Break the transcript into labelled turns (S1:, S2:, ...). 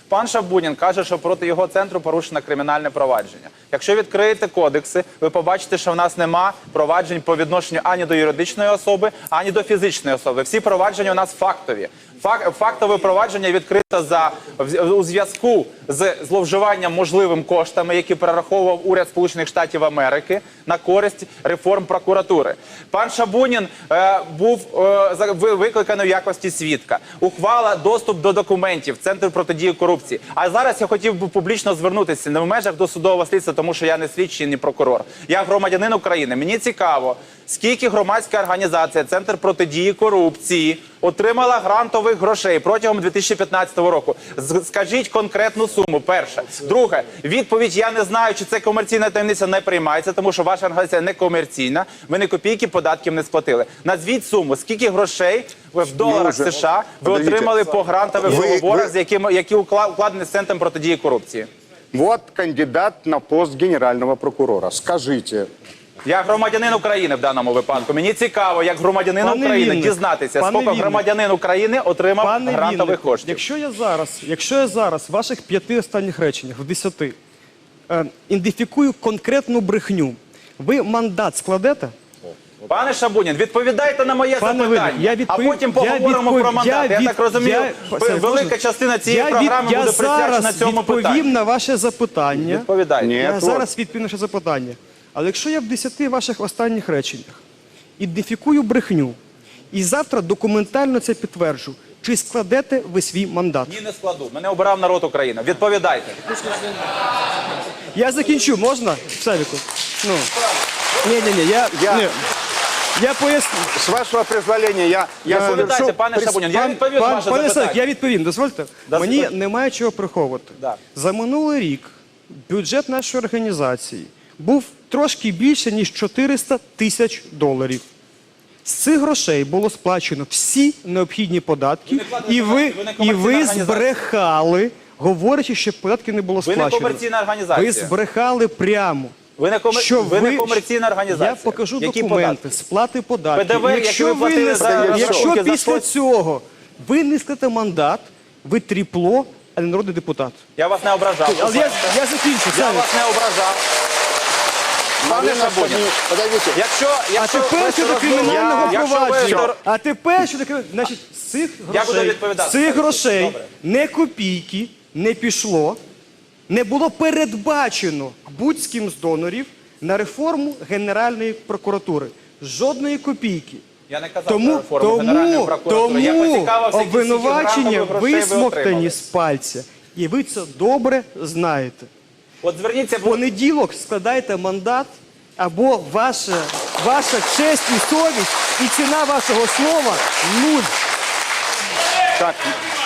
S1: Пан Шабунін каже, що проти його центру порушено кримінальне провадження. Якщо відкриєте кодекси, ви побачите, що в нас нема проваджень по відношенню ані до юридичної особи, ані до фізичної особи. Всі провадження у нас фактові. Фактове провадження відкрито у зв'язку з зловживанням можливим коштами, які перераховував уряд Сполучених Штатів Америки на користь реформ прокуратури. Пан Шабунін був викликаний в якості свідка. Ухвала доступ до документів Центру протидії корупції. А зараз я хотів би публічно звернутися не в межах досудового слідства, тому що я не слідчий, не прокурор. Я громадянин України. Мені цікаво, скільки громадська організація Центр протидії корупції отримала грантових грошей протягом 2015 року. Скажіть конкретну суму, перше. Друге, відповідь «я не знаю, чи це комерційна таємниця» не приймається, тому що ваша організація не комерційна, ви ні копійки податків не сплатили. Назвіть суму, скільки грошей в доларах США ви отримали по грантових договорах, які укладені з Центром протидії корупції.
S2: Вот кандидат на пост генерального прокурора. Скажите.
S1: Я громадянин України в даному випадку. Мені цікаво, як громадянин України, дізнатися, скільки громадянин України отримав грантових коштів.
S3: Якщо я зараз в ваших 5 останніх реченнях, в 10, ідентифікую конкретну брехню, ви мандат складете?
S1: Пане Шабунін, відповідайте на моє запитання, а потім поговоримо про мандат. Я так розумію, велика частина цієї програми буде присвячена цьому питанню.
S3: Я відповім на ваше запитання.
S1: Відповідайте.
S3: Я зараз відповім на ваше запитання. Але якщо я в 10 ваших останніх реченнях ідентифікую брехню і завтра документально це підтверджу, чи складете ви свій мандат?
S1: Ні, не складу. Мене обирав народ України. Відповідайте.
S3: Я закінчу, можна? Савіку? Ну. Ні, я поясню.
S2: С вашего позволения, я
S1: Відповідайте, пане Шабунін. Я відповім на ваше
S3: Пане
S1: запитання.
S3: Савік, я відповім, дозвольте. Мені немає чого приховувати.
S1: Да.
S3: За минулий рік бюджет нашої організації був трошки більше, ніж $400 тисяч. З цих грошей було сплачено всі необхідні податки, і ви збрехали, говорячи, що податки не було сплачено.
S1: Ви не комерційна організація.
S3: Ви збрехали прямо.
S1: Ви не комерційна організація.
S3: Я покажу
S1: Які
S3: документи,
S1: податки?
S3: сплати податків.
S1: ПДВ, які ви платили за
S3: Якщо
S1: рахунки, за
S3: після
S1: що?
S3: цього ви не складете мандат, ви тріпло, а не народний депутат.
S1: Я вас не ображав.
S3: Але я закінчу.
S1: Я
S3: Савік.
S1: вас не ображав. Пане Шабунін,
S2: Подождите.
S3: А тепер щодо кримінального провадження. А тепер щодо кримінального. Значить, з цих грошей
S1: Добре.
S3: не копійки не пішло, не було передбачено будь-ким з донорів на реформу Генеральної прокуратури. Жодної копійки.
S1: я не казав про реформу Генеральної прокуратури. Я
S3: Тому
S1: поцікавився, які
S3: обвинувачення
S1: грантових грошей ви
S3: висмоктані
S1: отримали.
S3: з пальця. І ви це добре знаєте.
S1: От зверніться,
S3: В понеділок складайте мандат, або ваша честь і совість, і ціна вашого слова – нуль.
S2: Так,